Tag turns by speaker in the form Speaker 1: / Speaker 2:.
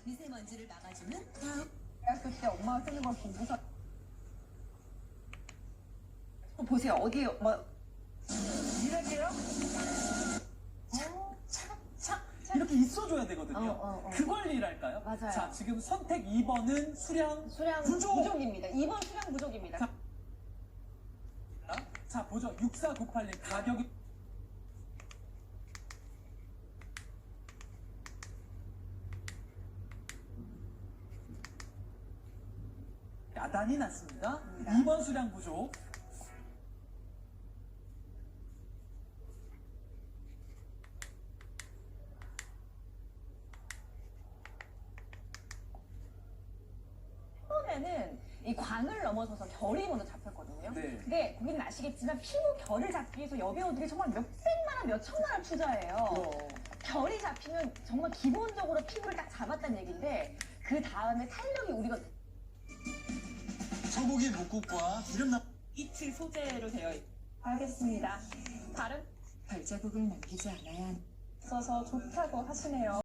Speaker 1: 미세먼지를 막아주는
Speaker 2: 대학교 때 엄마가 쓰는 걸 보고서 보세요. 어디 뭐 이래게요?
Speaker 3: 이렇게 있어줘야 되거든요. 그 관리랄까요?
Speaker 2: 맞아요.
Speaker 3: 자, 지금 선택 2번은 수량
Speaker 2: 부족입니다. 2번 수량 부족입니다.
Speaker 3: 자, 보죠. 6498님 가격이 야단이 났습니다. 2번 수량 부족.
Speaker 2: 처음에는 이 광을 넘어서서 결이 먼저 잡혔거든요.
Speaker 3: 네.
Speaker 2: 근데 고객님 아시겠지만 피부 결을 잡기 위해서 여배우들이 정말 몇백만 원, 몇천만 원 투자해요. 결이 잡히면 정말 기본적으로 피부를 딱 잡았다는 얘기인데 그 다음에 탄력이 우리가
Speaker 4: 소고기 묵국과 기름나
Speaker 2: 이틀 소재로 되어 알겠습니다. 다른
Speaker 1: 발자국을 남기지 않아야
Speaker 2: 있어서 좋다고 하시네요.